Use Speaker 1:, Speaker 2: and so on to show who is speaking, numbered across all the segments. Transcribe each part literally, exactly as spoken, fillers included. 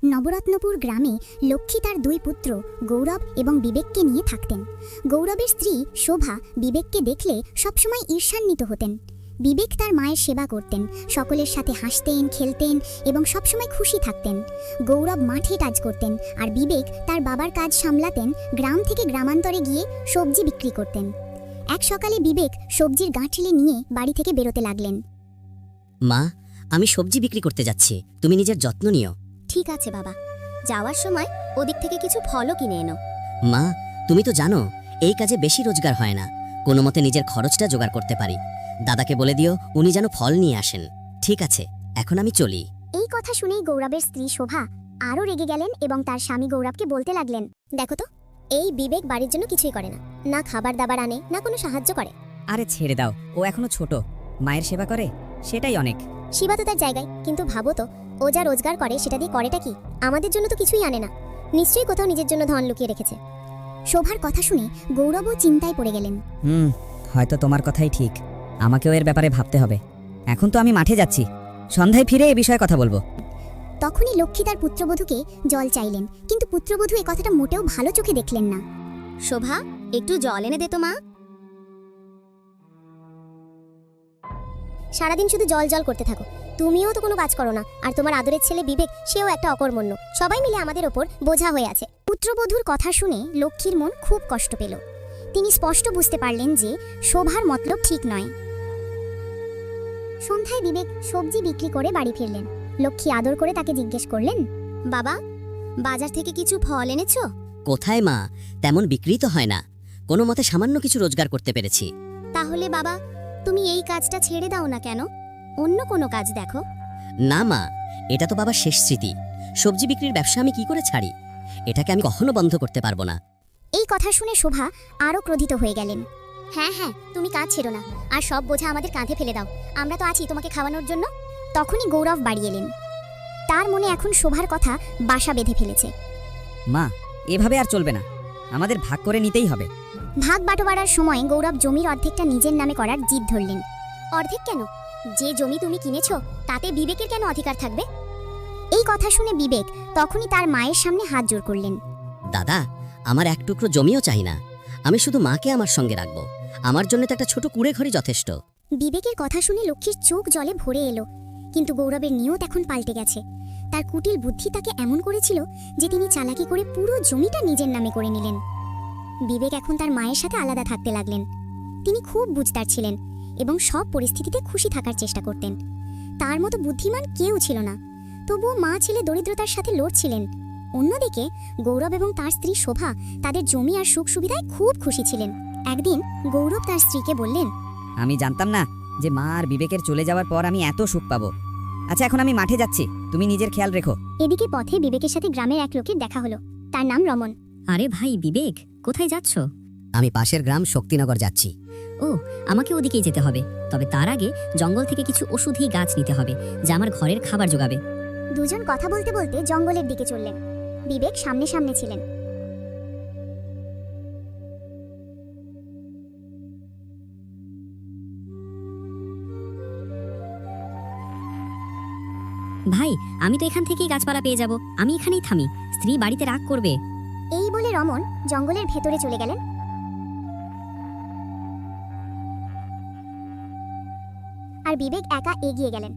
Speaker 1: নবরত্নপুর গ্রামে লক্ষ্মী তার দুই পুত্র গৌরব এবং বিবেককে নিয়ে থাকতেন। গৌরবের স্ত্রী শোভা বিবেককে দেখলে সবসময় ঈর্ষান্বিত হতেন। বিবেক তার মায়ের সেবা করতেন, সকলের সাথে হাসতেন, খেলতেন এবং সবসময় খুশি থাকতেন। গৌরব মাঠে কাজ করতেন আর বিবেক তার বাবার কাজ সামলাতেন, গ্রাম থেকে গ্রামান্তরে গিয়ে সবজি বিক্রি করতেন। এক সকালে বিবেক সবজির গাঁঠলে নিয়ে বাড়ি থেকে বেরোতে লাগলেন।
Speaker 2: মা, আমি সবজি বিক্রি করতে যাচ্ছি, তুমি নিজের যত্ন নিও।
Speaker 1: ঠিক আছে বাবা, যাওয়ার সময় ওদিক থেকে কিছু ফলও কিনে এনো।
Speaker 2: মা, তুমি তো জানো এই কাজে বেশি রোজগার হয় না, কোনো মতে নিজের খরচটা জোগাড় করতে পারি। দাদাকে বলে দিও উনি যেন ফল নিয়ে আসেন। ঠিক আছে, এখন আমি চলি।
Speaker 1: এই কথা শুনেই গৌরবের স্ত্রী শোভা আরও রেগে গেলেন এবং তার স্বামী গৌরবকে বলতে লাগলেন, দেখো তো, এই বিবেক বাড়ির জন্য কিছুই করে না, না খাবার দাবার আনে, না কোনো সাহায্য করে।
Speaker 3: আরে ছেড়ে দাও, ও এখনো ছোট, মায়ের সেবা করে, সেটাই অনেক।
Speaker 1: শিবা তো তার জায়গায়, কিন্তু ভাবো তো, ও যা রোজগার করে সেটা দিয়ে করেটা কি? আমাদের জন্য তো কিছুই আনে না, নিশ্চয়ই কোথাও নিজের জন্য ধন লুকিয়ে রেখেছে। শোভার কথা শুনে গৌরবও চিন্তায় পড়ে গেলেন।
Speaker 3: হুম, হয়তো তোমার কথাই ঠিক, আমাকেও এর ব্যাপারে ভাবতে হবে। এখন তো আমি মাঠে যাচ্ছি, সন্ধ্যায় ফিরে এ বিষয়ে কথা বলবো।
Speaker 1: তখনই লক্ষ্মী তার পুত্রবধূকে জল চাইলেন, কিন্তু পুত্রবধূ এ কথাটা মোটেও ভালো চোখে দেখলেন না। শোভা, একটু জল এনে দে তো মা। সারাদিন শুধু জল জল করতে থাকো, তুমিও তো কোনো কাজ করো না, আর তোমার আদরের ছেলে বিবেক, সেও একটা অকর্মণ্য, সবাই মিলে আমাদের ওপর বোঝা হয়ে আছে। পুত্রবধূর কথা শুনে লক্ষ্মীর মন খুব কষ্ট পেল। তিনি স্পষ্ট বুঝতে পারলেন যে শোভার মতলব ঠিক নয়। সন্ধ্যায় বিবেক সবজি বিক্রি করে বাড়ি ফিরলেন। লক্ষ্মী আদর করে তাকে জিজ্ঞেস করলেন, বাবা, বাজার থেকে কিছু ফল এনেছো?
Speaker 2: কোথায় মা, তেমন বিক্রি তো হয় না, কোনো মতে সামান্য কিছু রোজগার করতে পেরেছি।
Speaker 1: তাহলে বাবা, তুমি এই কাজটা ছেড়ে দাও না কেন? অন্য কোনো কাজ দেখো।
Speaker 2: না মা, এটা তো বাবার শেষ স্মৃতি, সবজি বিক্রির ব্যবসা আমি কি করে ছাড়ি? এটাকে আমি কখনো বন্ধ করতে পারবো না।
Speaker 1: এই কথা শুনে শোভা আরও ক্রোধিত হয়ে গেলেন। হ্যাঁ হ্যাঁ, তুমি কাজ ছেড়ো না, আর সব বোঝা আমাদের কাঁধে ফেলে দাও, আমরা তো আছি তোমাকে খাওয়ানোর জন্য। তখনই গৌরব বাড়ি এলেন। তার মনে এখন শোভার কথা বাসা বেঁধে ফেলেছে।
Speaker 3: মা, এভাবে আর চলবে না, আমাদের ভাগ করে নিতেই হবে।
Speaker 1: ভাগ বাটোয়ারার সময় গৌরব জমির অর্ধেকটা নিজের নামে করার জিদ ধরলেন। অর্ধেক কেন? যে জমি তুমি কিনেছো তাতে বিবেকের কেন অধিকার থাকবে? এই কথা শুনে বিবেক তখনই তার মায়ের সামনে হাত জোড় করলেন।
Speaker 2: দাদা, আমার এক টুকরো জমিও চাই না, আমি শুধু মাকে আমার সঙ্গে রাখবো, আমার জন্য তো একটা ছোট কুড়ে ঘরই যথেষ্ট।
Speaker 1: বিবেকের কথা শুনে লক্ষ্মীর চোখ জলে ভরে এলো, কিন্তু গৌরবের নিয়ত এখন পাল্টে গেছে। তার কুটিল বুদ্ধি তাকে এমন করেছিল যে তিনি চালাকি করে পুরো জমিটা নিজের নামে করে নিলেন। বিবেক এখন তার মায়ের সাথে আলাদা থাকতে লাগলেন। তিনি খুব বুঝদার ছিলেন এবং সব পরিস্থিতিতে খুশি থাকার চেষ্টা করতেন। তার মতো বুদ্ধিমান কেউ ছিল না, তবুও মা ছেলে দরিদ্রতার সাথে লড়ছিলেন। অন্যদিকে গৌরব এবং তার স্ত্রী শোভা তাদের জমি আর সুখ সুবিধায় খুব খুশি ছিলেন। একদিন গৌরব তার স্ত্রীকে বললেন,
Speaker 3: আমি জানতাম না যে মা আর বিবেকের চলে যাওয়ার পর আমি এত সুখ পাবো। আচ্ছা, এখন আমি মাঠে যাচ্ছি, তুমি নিজের খেয়াল রেখো।
Speaker 1: এদিকে পথে বিবেকের সাথে গ্রামের এক লোকের দেখা হলো। তার নাম রমন।
Speaker 4: আরে ভাই বিবেক, কোথায় যাচ্ছ?
Speaker 2: আমি পাশের গ্রাম শক্তিনগর যাচ্ছি।
Speaker 4: ও, আমাকে ওদিকেই যেতে হবে, তবে তার আগে জঙ্গল থেকে কিছু ওষুধি গাছ নিতে হবে যা আমার ঘরের খাবার যোগাবে।
Speaker 1: দুজন কথা বলতে বলতে জঙ্গলের দিকে চললেন। বিবেক সামনে সামনে ছিলেন।
Speaker 4: ভাই, আমি তো এখান থেকেই গাছপালা পেয়ে যাব, আমি এখানেই থামি, স্ত্রী বাড়িতে রাগ করবে।
Speaker 1: এই বলে রমন জঙ্গলের ভেতরে চলে গেলেন। আর বিবেক একা এগিয়ে গেলেন।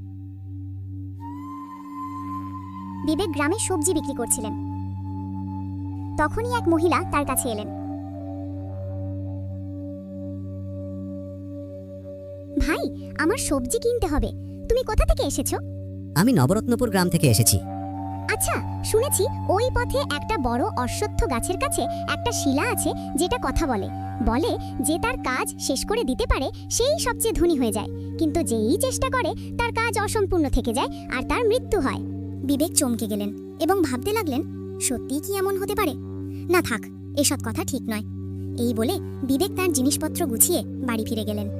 Speaker 1: বিবেক গ্রামে সবজি বিক্রি করছিলেন। তখনই এক মহিলা তার কাছে এলেন। ভাই, আমার সবজি কিনতে হবে, তুমি কোথা থেকে এসেছো?
Speaker 2: আমি নবরত্নপুর গ্রাম থেকে এসেছি।
Speaker 1: আচ্ছা, শুনেছি ওই পথে একটা বড় অশ্বত্থ গাছের কাছে একটা শিলা আছে যেটা কথা বলে। বলে যে তার কাজ শেষ করে দিতে পারে সেই সবচেয়ে ধনী হয়ে যায়, কিন্তু যেই চেষ্টা করে তার কাজ অসম্পূর্ণ থেকে যায় আর তার মৃত্যু হয়। বিবেক চমকে গেলেন এবং ভাবতে লাগলেন, সত্যিই কি এমন হতে পারে? না থাক, এসব কথা ঠিক নয়। এই বলে বিবেক তার জিনিসপত্র গুছিয়ে বাড়ি ফিরে গেলেন।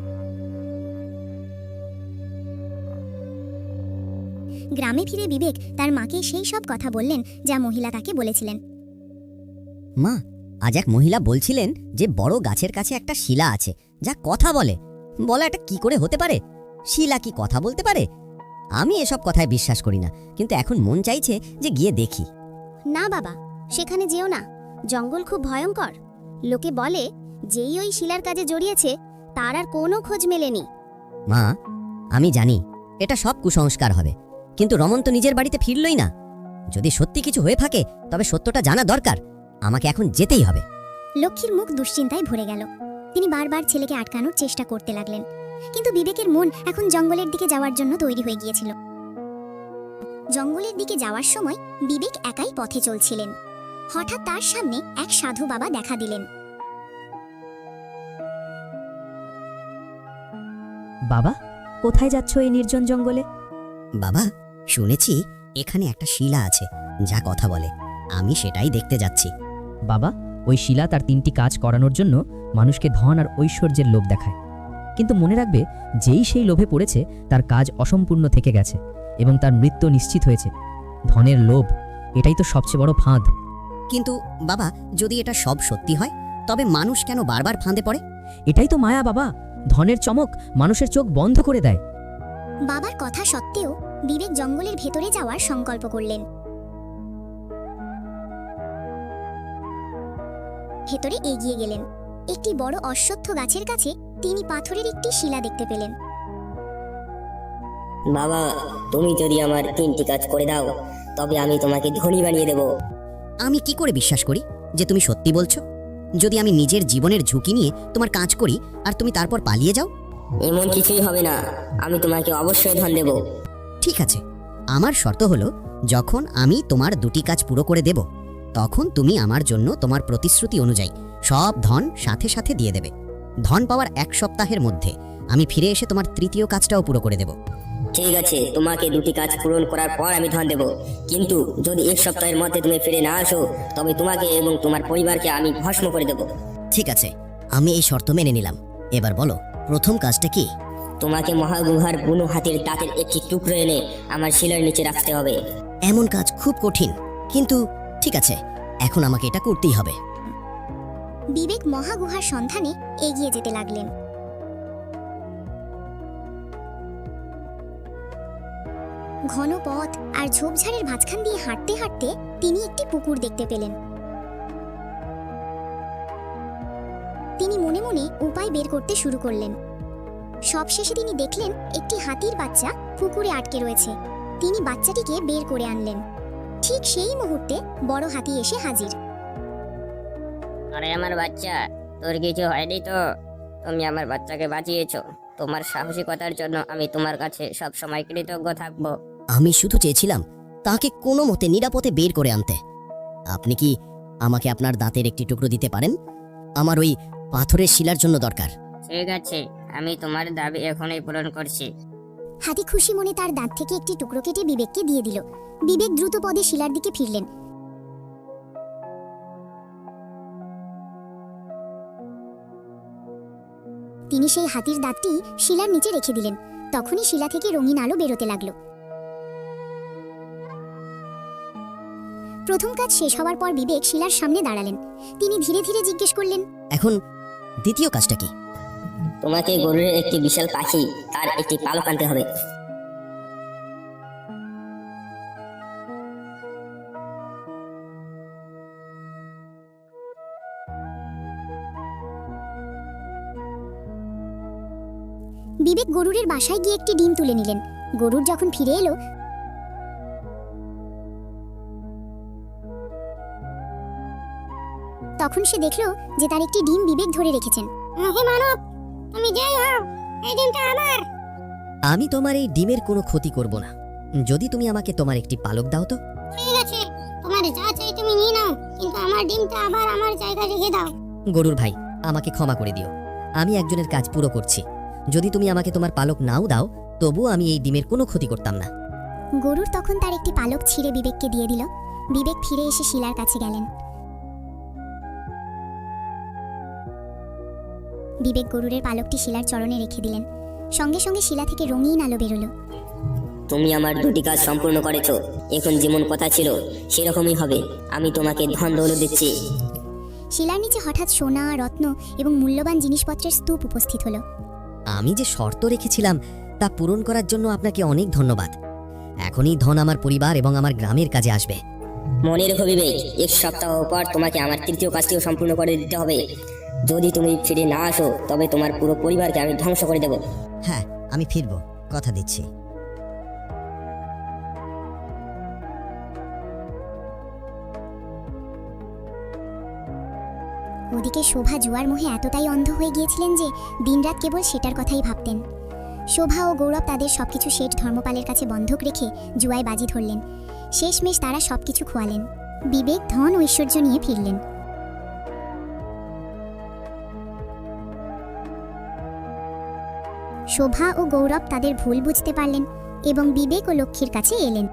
Speaker 1: গ্রামে ফিরে বিবেক তার মাকে সেই সব কথা বললেন যা মহিলা তাকে বলেছিলেন।
Speaker 2: মা, আজ এক মহিলা বলছিলেন যে বড় গাছের কাছে একটা শিলা আছে যা কথা বলে। বলা এটা কি করে হতে পারে? শিলা কি কথা বলতে পারে? আমি এসব কথায় বিশ্বাস করি না, কিন্তু এখন মন চাইছে যে গিয়ে দেখি।
Speaker 1: না বাবা, সেখানে যেও না। জঙ্গল খুব ভয়ঙ্কর। লোকে বলে যেই ওই শিলার কাজে জড়িয়েছে তার আর কোনো খোঁজ মেলেনি।
Speaker 2: মা, আমি জানি এটা সব কুসংস্কার হবে, কিন্তু রমন তো নিজের বাড়িতে ফিরলই না। যদি সত্যি কিছু হয়ে থাকে তবে সত্যটা জানা দরকার। আমাকে এখন যেতেই হবে।
Speaker 1: লক্ষ্মীর মুখ দুশ্চিন্তায় ভরে গেল। তিনি বারবার ছেলেকে আটকানোর চেষ্টা করতে লাগলেন, কিন্তু বিবেকের মন এখন জঙ্গলের দিকে যাওয়ার জন্য তৈরি হয়ে গিয়েছিল। জঙ্গলের দিকে যাওয়ার সময় বিবেক একাই পথে চলছিলেন। হঠাৎ তার সামনে এক সাধু বাবা দেখা দিলেন।
Speaker 3: বাবা, কোথায় যাচ্ছ এই নির্জন জঙ্গলে?
Speaker 2: বাবা, শুনেছি এখানে একটা শিলা আছে যা কথা বলে। আমি সেটাই দেখতে যাচ্ছি।
Speaker 3: বাবা, ওই শিলা তার তিনটি কাজ করানোর জন্য মানুষকে ধন আর ঐশ্বর্যের লোভ দেখায়, কিন্তু মনে রাখবে যেই সেই লোভে পড়েছে তার কাজ অসম্পূর্ণ থেকে গেছে এবং তার মৃত্যু নিশ্চিত হয়েছে। ধনের লোভ, এটাই তো সবচেয়ে বড় ফাঁদ।
Speaker 2: কিন্তু বাবা, যদি এটা সব সত্যি হয় তবে মানুষ কেন বারবার ফাঁদে পড়ে?
Speaker 3: এটাই তো মায়া বাবা, ধনের চমক মানুষের চোখ বন্ধ করে দেয়।
Speaker 1: বাবার কথা সত্ত্বেও বিবেক জঙ্গলের ভেতরে যাওয়ার সংকল্প করলেন। ভেতরে এগিয়ে গেলেন। একটি বড় অশ্বত্থ গাছের কাছে তিনি পাথরের একটি শিলা দেখতে পেলেন।
Speaker 5: বাবা, তুমি যদি আমার তিনটি কাজ করে দাও তবে আমি তোমাকে ধনী বানিয়ে দেব।
Speaker 2: আমি কি করে বিশ্বাস করি যে তুমি সত্যি বলছো? যদি আমি নিজের জীবনের ঝুঁকি নিয়ে তোমার কাজ করি আর তুমি তারপর পালিয়ে যাও?
Speaker 5: এমন কিছুই হবে না, আমি তোমাকে অবশ্যই ধন দেব।
Speaker 2: ঠিক আছে, আমার শর্ত হলো যখন আমি তোমার দুটি কাজ পুরো করে দেব তখন তুমি আমার জন্য তোমার প্রতিশ্রুতি অনুযায়ী সব ধন সাথে সাথে দিয়ে দেবে। ধন পাওয়ার এক সপ্তাহের মধ্যে আমি ফিরে এসে তোমার তৃতীয় কাজটাও পুরো করে দেব।
Speaker 5: ঠিক আছে, তোমাকে দুটি কাজ পূরণ করার পর আমি ধন দেব, কিন্তু যদি এক সপ্তাহের মধ্যে তুমি ফিরে না আসো তবে তোমাকে এবং তোমার পরিবারকে আমি ভস্ম করে দেব।
Speaker 2: ঠিক আছে, আমি এই শর্ত মেনে নিলাম। এবার বলো, প্রথম কাজটা কি?
Speaker 5: তোমাকে মহাগুহার বুনো হাতির দাঁতের একটি টুকরো এনে আমার শিলার নিচে রাখতে হবে।
Speaker 2: এমন কাজ খুব কঠিন, কিন্তু ঠিক আছে, এখন আমাকে এটা করতেই হবে।
Speaker 1: বিবেক মহাগুহার সন্ধানে এগিয়ে যেতে লাগলেন। ঘন পথ আর ঝোপঝাড়ের মাঝখান দিয়ে হাঁটতে হাঁটতে তিনি একটি পুকুর দেখতে পেলেন। তিনি মনে মনে উপায় বের করতে শুরু করলেন। সবশেষে তিনি দেখলেন একটি হাতির বাচ্চা পুকুরে আটকে রয়েছে। তিনি বাচ্চাটিকে বের করে আনলেন। ঠিক সেই মুহূর্তে বড় হাতি এসে হাজির।
Speaker 5: আরে আমার বাচ্চা, তোর কিছু হয়নি তো? তুমি আমার বাচ্চাকে বাঁচিয়েছো। তোমার সাহসিকতার জন্য আমি তোমার কাছে সব সময় কৃতজ্ঞ থাকবো।
Speaker 2: আমি শুধু চেয়েছিলাম তাকে কোনো মতে নিরাপদে বের করে আনতে। আপনি কি আমাকে আপনার দাঁতের একটি টুকরো দিতে পারেন? আমার ওই পাথরের শিলার জন্য দরকার।
Speaker 5: ঠিক আছে, আমি তোমার দাবি এখনই পূরণ করছি।
Speaker 1: হাতি খুশি মনে তার দাঁত থেকে একটি টুকরো কেটে বিবেককে দিয়ে দিল। বিবেক দ্রুত পদে শিলার দিকে ফিরলেন। তিনি সেই হাতির দাঁতটি শিলার নিচে রেখে দিলেন। তখনই শিলা থেকে রঙিন আলো বেরোতে লাগলো। প্রথম কাজ শেষ হওয়ার পর বিবেক শিলার সামনে দাঁড়ালেন। তিনি ধীরে ধীরে জিজ্ঞেস করলেন,
Speaker 2: এখন দ্বিতীয় কাজটা কি?
Speaker 5: তোমাকে গরুরের একটি বিশাল পাখি তার একটি পালক আনতে হবে।
Speaker 1: বিবেক গরুরের বাসায় গিয়ে একটি ডিম তুলে নিলেন। গরুর যখন ফিরে এলো তখন সে দেখলো যে তার একটি ডিম বিবেক ধরে রেখেছেন। হে মানব, তুমি যাই হও, এই ডিমটা আমার।
Speaker 2: আমি তোমার এই ডিমের কোনো ক্ষতি করব না, যদি তুমি আমাকে তোমার একটি পালক দাও তো।
Speaker 1: ঠিক আছে, তোমার যা চাই তুমি নিয়ে নাও, কিন্তু আমার ডিমটা আবার আমার জায়গায় রেখে দাও।
Speaker 2: গরুর ভাই, আমাকে ক্ষমা করে দিও। আমি একজনের কাজ পুরো করছি। যদি তুমি আমাকে তোমার পালক নাও দাও তবু আমি এই ডিমের কোনো ক্ষতি করতাম না।
Speaker 1: গরুর তখন তার একটি পালক ছিঁড়ে বিবেককে দিয়ে দিল। বিবেক ফিরে এসে শিলার কাছে গেলেন। বিবেক গরুরের পালকটি শিলার চরণে রেখে দিলেন। সঙ্গে সঙ্গে শিলা থেকে রঙিন আলো বেরোলো।
Speaker 5: তুমি আমার দুটি কাজ সম্পূর্ণ করেছো। এখন যেমন কথা ছিল সেরকমই হবে। আমি তোমাকে ধন দৌলত দিচ্ছি।
Speaker 1: শিলার নিচে হঠাৎ সোনা, রত্ন এবং মূল্যবান জিনিসপত্রের স্তূপ উপস্থিত হলো।
Speaker 2: আমি যে শর্ত রেখেছিলাম তা পূরণ করার জন্য আপনাকে অনেক ধন্যবাদ। এখনই ধন আমার পরিবার এবং আমার গ্রামের কাজে আসবে।
Speaker 5: মনে রেখো বিবেক, এক সপ্তাহ পর তোমাকে আমার তৃতীয় কাজটিও সম্পূর্ণ করে দিতে হবে। যদি তুমি ফিরে না আসো তবে তোমার পুরো পরিবারকে আমি ধ্বংস করে দেব।
Speaker 2: হ্যাঁ, আমি ফিরব, কথা দিচ্ছি।
Speaker 1: ওদিকে শোভা জুয়ার মোহে এতটাই অন্ধ হয়ে গিয়েছিলেন যে দিনরাত কেবল সেটার কথাই ভাবতেন। শোভা ও গৌরব তাদের সবকিছু শেঠ ধর্মপালের কাছে বন্ধক রেখে জুয়ায় বাজি ধরলেন। শেষমেশ তারা সবকিছু খোয়ালেন। বিবেক ধন ঐশ্বর্য নিয়ে ফিরলেন। শোভা ও গৌরব তাদের ভুল বুঝতে পারলেন এবং বিবেক ও লক্ষ্মীর কাছে এলেন।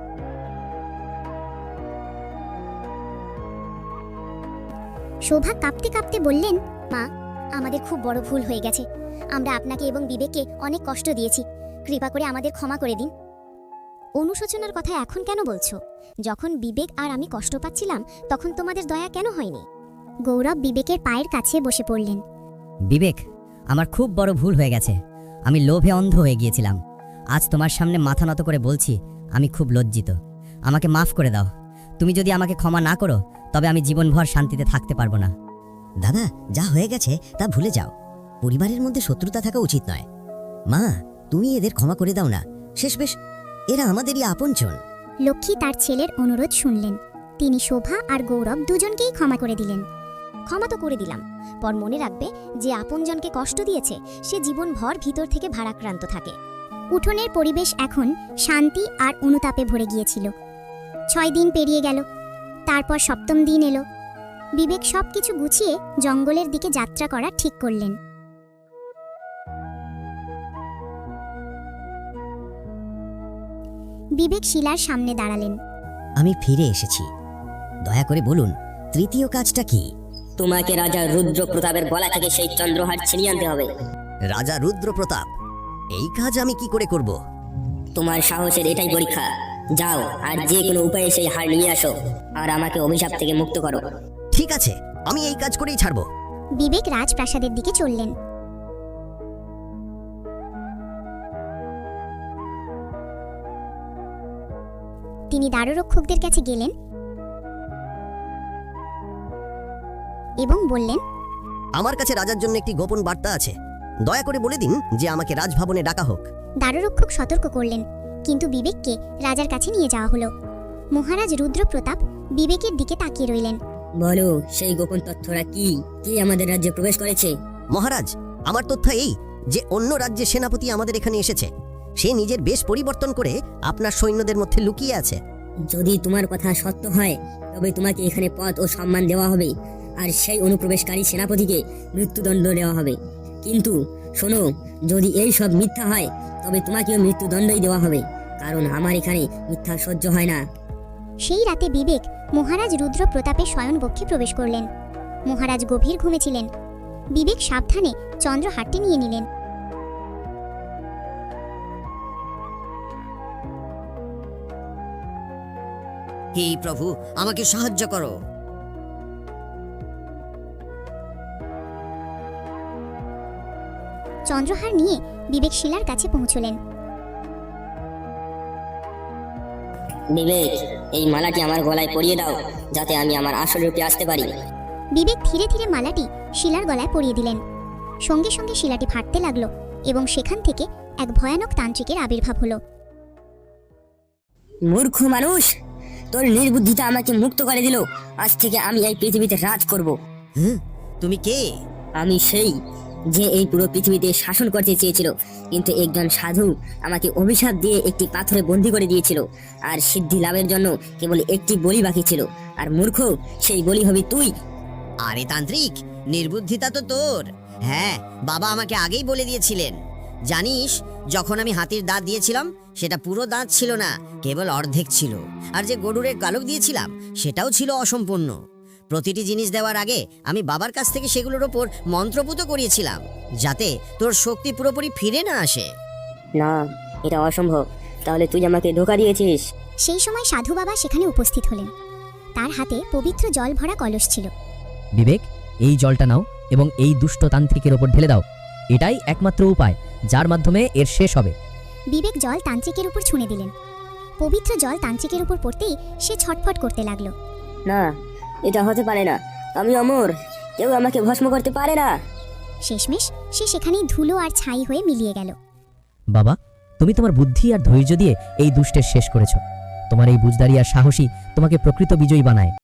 Speaker 1: শোভা কাঁপতে কাঁপতে বললেন, মা, আমাদের খুব বড় ভুল হয়ে গেছে। আমরা আপনাকে এবং বিবেককে অনেক কষ্ট দিয়েছি। কৃপা করে আমাদের ক্ষমা করে দিন। অনুশোচনার কথা এখন কেন বলছো? যখন বিবেক আর আমি কষ্ট পাচ্ছিলাম তখন তোমাদের দয়া কেন হয়নি? গৌরব বিবেকের পায়ের কাছে বসে পড়লেন।
Speaker 2: বিবেক, আমার খুব বড় ভুল হয়ে গেছে। আমি লোভে অন্ধ হয়ে গিয়েছিলাম। আজ তোমার সামনে মাথা নত করে বলছি, আমি খুব লজ্জিত। আমাকে মাফ করে দাও। তুমি যদি আমাকে ক্ষমা না করো তবে আমি জীবনভর শান্তিতে থাকতে পারবো না। দাদা, যা হয়ে গেছে তা ভুলে যাও। পরিবারের মধ্যে শত্রুতা থাকা উচিত নয়। মা, তুমি এদের ক্ষমা করে দাও না। শেষ বেশ এরা আমাদেরই আপনজন।
Speaker 1: লক্ষ্মী তার ছেলের অনুরোধ শুনলেন। তিনি শোভা আর গৌরব দুজনকেই ক্ষমা করে দিলেন। ক্ষমা তো করে দিলাম, পর মনে রাখবে যে আপনজনকে কষ্ট দিয়েছে সে জীবনভর ভিতর থেকে ভারাক্রান্ত থাকে। উঠোনের পরিবেশ এখন শান্তি আর অনুতাপে ভরে গিয়েছিল। ছয় দিন পেরিয়ে গেল। তারপর সপ্তম দিন এলো। বিবেক সবকিছু গুছিয়ে জঙ্গলের দিকে যাত্রা করা ঠিক করলেন। বিবেক শিলার সামনে দাঁড়ালেন।
Speaker 2: আমি ফিরে এসেছি। দয়া করে বলুন, তৃতীয় কাজটা কি?
Speaker 5: তোমাকে রাজা রুদ্র প্রতাপের গলা থেকে সেই চন্দ্রহার ছিনিয়ে আনতে হবে।
Speaker 2: রাজা রুদ্র প্রতাপ? এই কাজ আমি কি করে করব?
Speaker 5: তোমার সাহসের এটাই পরীক্ষা। যাও আর যে কোনো উপায়ে সেই হার নিয়ে আসো আর আমাকে অভিশাপ থেকে মুক্ত করো।
Speaker 2: ঠিক আছে, আমি এই কাজ করেই ছাড়বো।
Speaker 1: বিবেক রাজপ্রাসাদের দিকে চললেন। তিনি দ্বাররক্ষকদের কাছে গেলেন এবং বললেন,
Speaker 2: আমার কাছে রাজার জন্য একটি গোপন বার্তা আছে। দয়া করে বলে দিন যে আমাকে রাজভবনে ডাকা হোক।
Speaker 1: দ্বাররক্ষক সতর্ক করলেন, কিন্তু বিবেককে রাজার কাছে নিয়ে যাওয়া হলো। মহারাজ রুদ্র প্রতাপ বিবেকের দিকে তাকিয়ে রইলেন।
Speaker 5: বলো, সেই গোপন তথ্যরা কি? কি আমাদের রাজ্যে প্রবেশ করেছে?
Speaker 2: মহারাজ, আমার তথ্য এই যে অন্য রাজ্যের সেনাপতি আমাদের এখানে এসেছে। সে নিজের বেশ পরিবর্তন করে আপনার সৈন্যদের মধ্যে লুকিয়ে আছে।
Speaker 5: যদি তোমার কথা সত্য হয় তবে তোমাকে এখানে পদ ও সম্মান দেওয়া হবে আর সেই অনুপ্রবেশকারী সেনাপতিকে মৃত্যুদণ্ড দেওয়া হবে। কিন্তু শোনো, যদি এই সব মিথ্যা হয় তবে তোমাকেও মৃত্যুদণ্ডই দেওয়া হবে, কারণ আমার এখানে মিথ্যা সহ্য হয় না।
Speaker 1: সেই রাতে বিবেক মহারাজ রুদ্র প্রতাপের শয়নকক্ষে প্রবেশ করলেন। মহারাজ গভীর ঘুমেছিলেন। বিবেক সাবধানে চন্দ্রহারটি নিয়ে নিলেন।
Speaker 2: হে প্রভু, আমাকে সাহায্য করো।
Speaker 1: চন্দ্রহার নিয়ে বিবেক শিলার কাছে পৌঁছলেন।
Speaker 5: বিবেক, এই মালাটি আমার গলায় পরিয়ে দাও যাতে আমি আমার আসল রূপে আসতে পারি।
Speaker 1: বিবেক ধীরে ধীরে মালাটি শিলার গলায় পরিয়ে দিলেন। সঙ্গে সঙ্গে শিলাটি ফাটতে লাগলো এবং সেখান থেকে এক ভয়ানক তান্ত্রিকের আবির্ভাব হলো।
Speaker 5: মূর্খ মানুষ, তোর নির্বুদ্ধিতা আমাকে মুক্ত করে দিল। আজ থেকে আমি এই পৃথিবীতে রাজ করব।
Speaker 2: হুম, তুমি কে?
Speaker 5: আমি সেই যে এই পুরো পৃথিবীতে শাসন করতে চেয়েছিল, কিন্তু একজন সাধু আমাকে অভিশাপ দিয়ে একটি পাথরে বন্দী করে দিয়েছিল। আর সিদ্ধি লাভের জন্য কেবল একটি বলি বাকি ছিল। আর মূর্খ, সেই বলি হবি তুই।
Speaker 2: আরে তান্ত্রিক, নির্বুদ্ধিতা তো তোর। হ্যাঁ, বাবা আমাকে আগেই বলে দিয়েছিলেন। জানিস, যখন আমি হাতির দাঁত দিয়েছিলাম সেটা পুরো দাঁত ছিল না, কেবল অর্ধেক ছিল। আর যে গরুরের গালক দিয়েছিলাম সেটাও ছিল অসম্পূর্ণ। প্রতিটি জিনিস দেওয়ার আগে আমি বাবার কাছ থেকে সেগুলোর ওপর মন্ত্রপুত করিয়েছিলাম, যাতে তোর শক্তি পুরোপুরি ফিরে না আসে।
Speaker 5: না, এটা অসম্ভব। তাহলে তুই আমাকে ধোঁকা দিয়েছিস।
Speaker 1: সেই সময় সাধু বাবা সেখানে উপস্থিত হলেন। তার হাতে পবিত্র জল ভরা কলস ছিল।
Speaker 3: বিবেক, এই জলটা নাও এবং এই দুষ্ট তান্ত্রিকের ওপর ঢেলে দাও। এটাই একমাত্র উপায় যার মাধ্যমে এর শেষ হবে।
Speaker 1: বিবেক জল তান্ত্রিকের উপর ছুঁড়ে দিলেন। পবিত্র জল তান্ত্রিকের উপর পড়তেই সে ছটফট করতে লাগলো।
Speaker 5: না, এটা হতে পারে না। আমি অমর, কেউ আমাকে ভস্ম করতে পারে না।
Speaker 1: শেষমেশ সে সেখানেই ধুলো আর ছাই হয়ে মিলিয়ে গেল।
Speaker 3: বাবা, তুমি তোমার বুদ্ধি আর ধৈর্য দিয়ে এই দুষ্টের শেষ করেছো। তোমার এই বুঝদারি আর সাহসী তোমাকে প্রকৃত বিজয়ী বানায়।